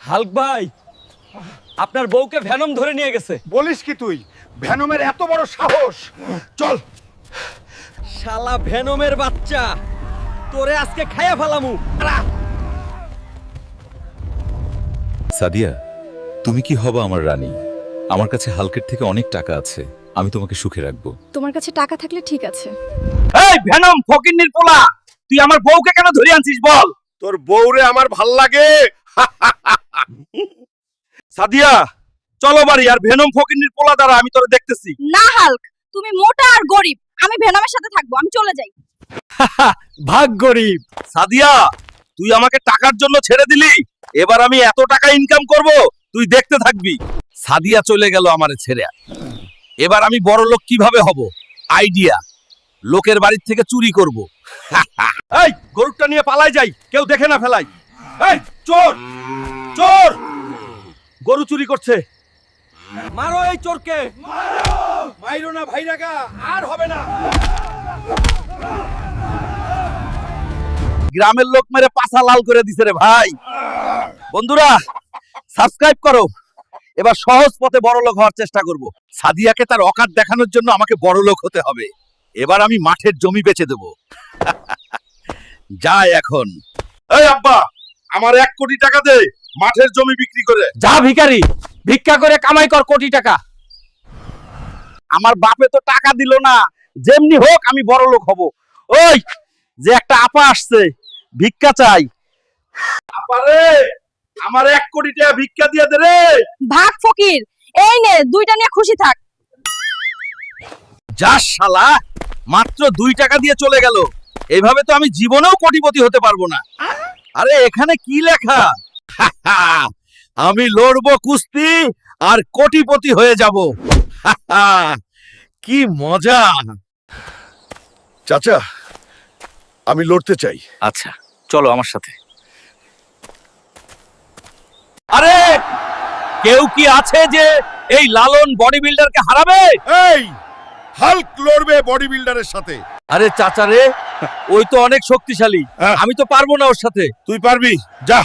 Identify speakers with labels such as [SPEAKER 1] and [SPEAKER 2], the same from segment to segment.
[SPEAKER 1] Hulk ভাই, আপনার বউকে ভ্যানম ধরে নিয়ে গেছে।
[SPEAKER 2] বলিস কি তুই? ভ্যানমের এত বড় সাহস! চল।
[SPEAKER 1] শালা ভ্যানমের বাচ্চা, তোরে আজকে খাইয়া ফেলামু।
[SPEAKER 3] সাদিয়া, তুমি কি হবা আমার রানী? আমার কাছে হালকের থেকে অনেক টাকা আছে, আমি তোমাকে সুখে রাখবো।
[SPEAKER 4] তোমার কাছে টাকা থাকলে ঠিক আছে।
[SPEAKER 1] এই ভ্যানম ফকিন্নির পোলা, তুই আমার বউকে কেন ধরে আনছিস বল?
[SPEAKER 2] তোর বউরে আমার ভাল লাগে।
[SPEAKER 1] সাদিয়া, চলো বাড়ি, আর ভ্যানম ফকিন্নির পোলা দ্বারা আমি তোরে দেখতেছি।
[SPEAKER 4] না হাল্ক, তুমি মোটা আর গরিব, আমি ভেনমের সাথে থাকবো, আমি চলে যাই।
[SPEAKER 1] ভাগ গরিব। সাদিয়া, তুই আমাকে টাকার জন্য ছেড়ে দিলি, এবার আমি এত টাকা ইনকাম করব তুই দেখতে থাকবি। সাদিয়া চলে গেল আমারে ছেড়ে, এবার আমি বড় লোক কিভাবে হব? আইডিয়া, লোকের বাড়ির থেকে চুরি করব। এই গরুটা নিয়ে পালাই যাই, কেউ দেখে না ফেলাই। এই চোর, চোর, গরু চুরি করছে। মারো এই চোরকে, মাইরো না ভাইরাগা, আর হবে না। গ্রামের লোক মেরে পাছা লাল করে দিছে রে ভাই। বন্ধুরা, সাবস্ক্রাইব করো, এবার সহজ পথে বড় লোক হওয়ার চেষ্টা করব। সাদিয়াকে তার অকাত দেখানোর জন্য আমাকে বড় লোক হতে হবে। এবার আমি মাঠের জমি বেচে দেব। যাই এখন। এই আব্বা, আমার 1 কোটি টাকা দে মাঠের জমি বিক্রি করে। যা ভিখারি, ভিক্ষা করে কামাই কর কোটি টাকা। আমার বাপে তো টাকা দিল না, যেমনি হোক আমি বড় লোক হব। ওই যে একটা আপা আসছে, ভিক্ষা চাই। আপা রে, আমার 1 কোটি টাকা ভিক্ষা দিয়ে দে রে।
[SPEAKER 4] ভাগ ফকির, এই নে 2টা নিয়ে খুশি থাক।
[SPEAKER 1] যা শালা, মাত্র 2 টাকা দিয়ে চলে গেল। এইভাবে তো আমি জীবনেও কোটিপতি হতে পারবো না। আরে এখানে কি লেখা? আমি লড়বো কুস্তি আর কোটিপতি হয়ে যাব। কি মজা!
[SPEAKER 2] চাচা, আমি লড়তে চাই।
[SPEAKER 1] আচ্ছা, চলো আমার সাথে। আরে কেউ কি আছে যে এই লালন বডি বিল্ডারকে হারাবে?
[SPEAKER 2] এই হাল্ক লড়বে বডি বিল্ডারের সাথে।
[SPEAKER 1] আরে চাচা রে, ওই তো অনেক শক্তিশালী,
[SPEAKER 2] হ্যাঁ।
[SPEAKER 1] আমি তো পারবো না ওর সাথে।
[SPEAKER 2] তুই পারবি, যা।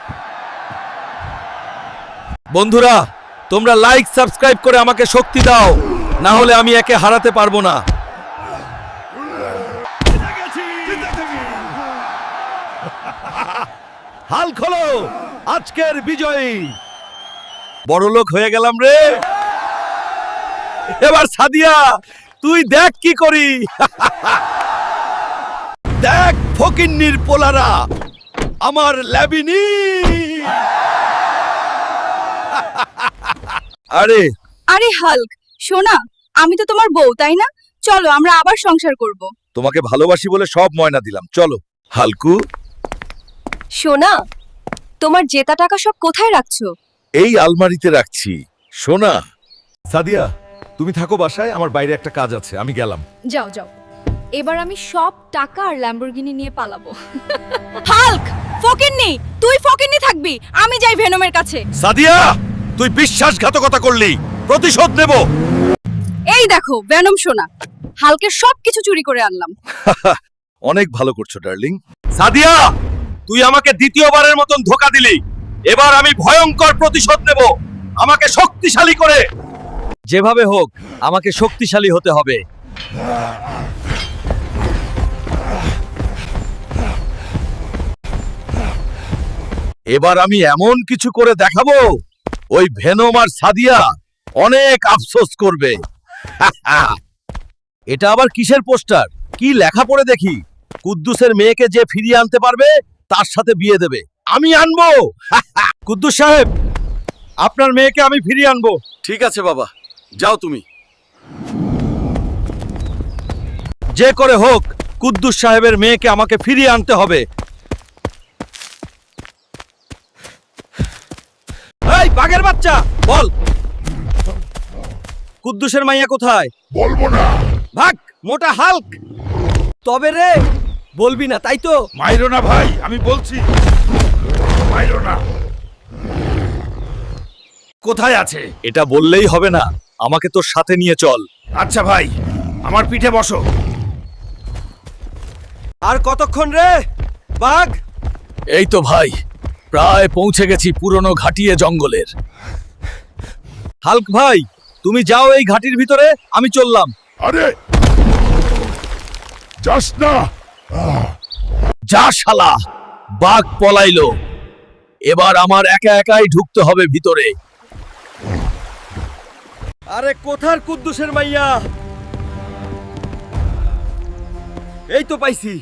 [SPEAKER 1] বন্ধুরা, তোমরা লাইক সাবস্ক্রাইব করে আমাকে শক্তি দাও, না হলে আমি একে হারাতে পারবো না। হাল্ক হলো আজকের বিজয়ী। বড় লোক হয়ে গেলাম রে। এবার সাদিয়া, তুই দেখ কি করি। দেখ ফকিন্নির পোলারা, আমার ল্যাবিনি। আরে
[SPEAKER 4] আরে হাল্ক, শোনা, আমি তো তোমার বউ, তাই না? চলো আমরা আবার সংসার করব।
[SPEAKER 1] তোমাকে ভালোবাসি বলে সব ময়না দিলাম, চলো। হালকু,
[SPEAKER 4] শোনা, তোমার জেতা টাকা সব কোথায় রাখছো?
[SPEAKER 1] এই আলমারিতে রাখছি। সোনা,
[SPEAKER 3] সাদিয়া, তুমি থাকো বাসায়, আমার বাইরে একটা কাজ আছে, আমি গেলাম।
[SPEAKER 4] যাও যাও, এবার আমি সব টাকা আর ল্যাম্বরগিনি নিয়ে পালাবো। হাল্ক, ফকিন্নি, তুই ফকিন্নি থাকবি, আমি যাই ভেনমের কাছে।
[SPEAKER 1] সাদিয়া, তুই বিশ্বাসঘাতকতা করলি, প্রতিশোধ নেব।
[SPEAKER 4] এই দেখো ভেনম সোনা, হাল্কের সবকিছু চুরি করে আনলাম।
[SPEAKER 1] অনেক ভালো করছো ডার্লিং। সাদিয়া, তুই আমাকে দ্বিতীয়বারের মতন ধোকা দিলি, এবার আমি ভয়ঙ্কর প্রতিশোধ নেব, আমাকে শক্তিশালী করে। যেভাবে হোক আমাকে শক্তিশালী হতে হবে। এবার আমি এমন কিছু করে দেখাবো, ওই ভেনম আর সাদিয়া অনেক আফসোস করবে। এটা আবার কিসের পোস্টার? কি লেখা পড়ে দেখি? কুদ্দুসের মেয়েকে যে ফিরিয়ে আনতে পারবে তার সাথে বিয়ে দেবে। আমি আনবো। কুদ্দুস সাহেব, আপনার মেয়েকে আমি ফিরিয়ে আনবো। ঠিক আছে বাবা, যাও তুমি। যে করে হোক কুদ্দুস সাহেবের মেয়েকে আমাকে ফিরিয়ে আনতে হবে। এই বাঘের বাচ্চা, বল কুদ্দুসের মাইয়া কোথায়?
[SPEAKER 2] বলবো না।
[SPEAKER 1] ভাগ মোটা হাল্ক। তবে রে, বলবি না তাই তো?
[SPEAKER 2] মাইরো না ভাই, আমি বলছি মাইরো না।
[SPEAKER 1] কোথায় আছে? এটা বললেই হবে না, আমাকে তোর সাথে নিয়ে চল।
[SPEAKER 2] আচ্ছা ভাই, আমার পিঠে বসো।
[SPEAKER 1] আর কতক্ষণ রে বাঘ? এই তো ভাই, প্রায় পৌঁছে গেছি পুরনো ঘাটিয়ে জঙ্গলের। হাল্ক ভাই, তুমি যাও এই ঘাটির ভিতরে, আমি চললাম।
[SPEAKER 2] আরে যাস না।
[SPEAKER 1] যা শালা, বাঘ পলাইলো। এবার আমার একা একাই ঢুকতে হবে ভিতরে। আরে কোথার কুদ্দুসের মাইয়া? এই তো পাইছি।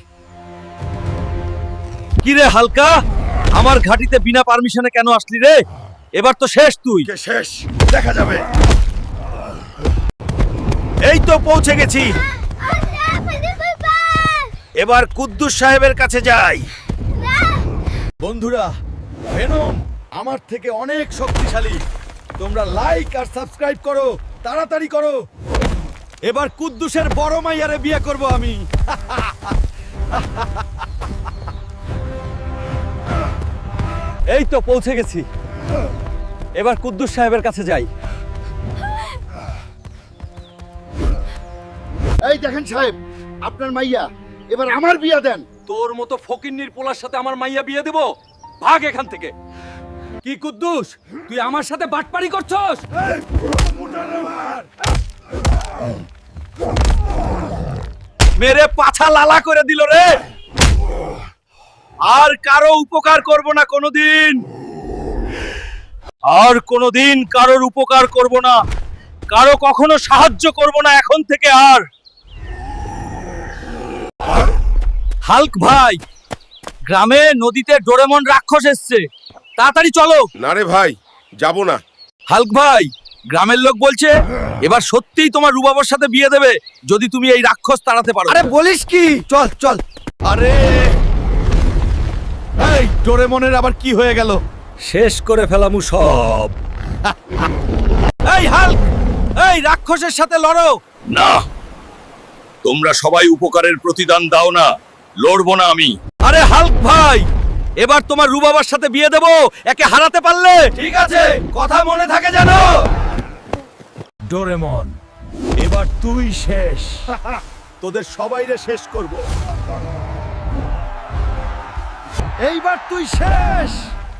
[SPEAKER 1] কি রে হালকা, আমার ঘাটিতে বিনা পারমিশনে কেন আসলি রে? এবার তো শেষ তুই।
[SPEAKER 2] কে শেষ দেখা যাবে।
[SPEAKER 1] এই তো পৌঁছে গেছি। এবার কুদ্দুস সাহেবের কাছে যাই। বন্ধুরা, ভেনম আমার থেকে অনেক শক্তিশালী। তোমরা লাইক আর সাবস্ক্রাইব করো, তাড়াতাড়ি করো। এবার কুদ্দুসের বড় মাইয়ারে বিয়ে করব আমি। এই তো পৌঁছে গেছি। এবার কুদ্দুস সাহেবের কাছে যাই।
[SPEAKER 2] এই দেখেন সাহেব, আপনার মাইয়া, এবার আমার বিয়া দেন।
[SPEAKER 1] তোর মতো ফকিন্নির পোলার সাথে আমার মাইয়া বিয়ে দেব? ভাগ এখান থেকে। কি কুদ্দুস, তুই আমার সাথে বাটপারি করছস? মেরে পাছা লালা করে দিল রে। আর কারো উপকার করব না কোনোদিন। আর কোনোদিন কারোর উপকার করব না, কারো কখনো সাহায্য করব না এখন থেকে আর। হাল্ক ভাই, গ্রামে নদীতে ডোরেমন রাক্ষস এসছে, তাড়াতাড়ি চলো।
[SPEAKER 2] না রে ভাই, যাব না।
[SPEAKER 1] হাল্ক ভাই, গ্রামের লোক বলছে এবার সত্যিই তোমার রুবাবর সাথে বিয়ে দেবে যদি তুমি এই রাক্ষস তাড়াতে পারো।
[SPEAKER 2] আরে বলিস কি? চল চল।
[SPEAKER 1] আরে এই ডোরেমনের আবার কি হয়ে গেল? শেষ করে ফেলামু সব। এই হাল্ক, এই রাক্ষসের সাথে লড়ো। না, তোমরা সবাই উপকারের প্রতিদান দাও না, লড়বো না আমি। আরে হাল্ক ভাই, এবার তোমার রুবাবার সাথে বিয়ে দেব, একে হারাতে পারলে। ঠিক আছে, কথা মনে থাকে জানো। ডোরেমন, এবার তুই শেষ। তোদের সবাইরে শেষ করব। এইবার তুই শেষ।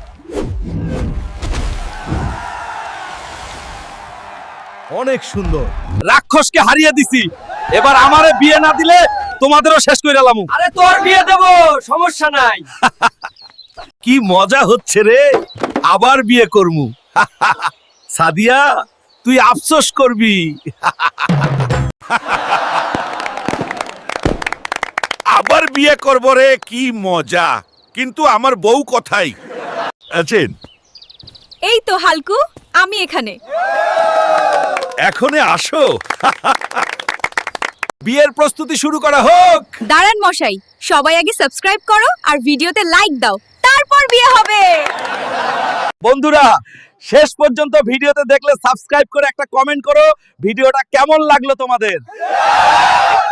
[SPEAKER 1] অনেক সুন্দর, রাক্ষসকে হারিয়ে দিছি। এবার আমারে বিয়ে না দিলে তোমাদেরও শেষ করে এলাম। আরে তোর বিয়ে দেব, সমস্যা নাই। কি মজা হচ্ছে রে, আবার বিয়ে করমু। সাদিয়া, তুই আফসোস করবি।
[SPEAKER 2] আবার বিয়ে করব রে, কি মজা। কিন্তু আমার বউ কোথায় আছেন?
[SPEAKER 4] এই তো হালকু, আমি এখানে।
[SPEAKER 2] এখনে আসো।
[SPEAKER 1] বিয়ের প্রস্তুতি শুরু করা হোক।
[SPEAKER 4] দাঁড়ান মশাই, সবাই আগে সাবস্ক্রাইব করো আর ভিডিওতে লাইক দাও, তারপর বিয়ে হবে।
[SPEAKER 1] বন্ধুরা, শেষ পর্যন্ত ভিডিওতে দেখলে সাবস্ক্রাইব করে একটা কমেন্ট করো, ভিডিওটা কেমন লাগলো তোমাদের।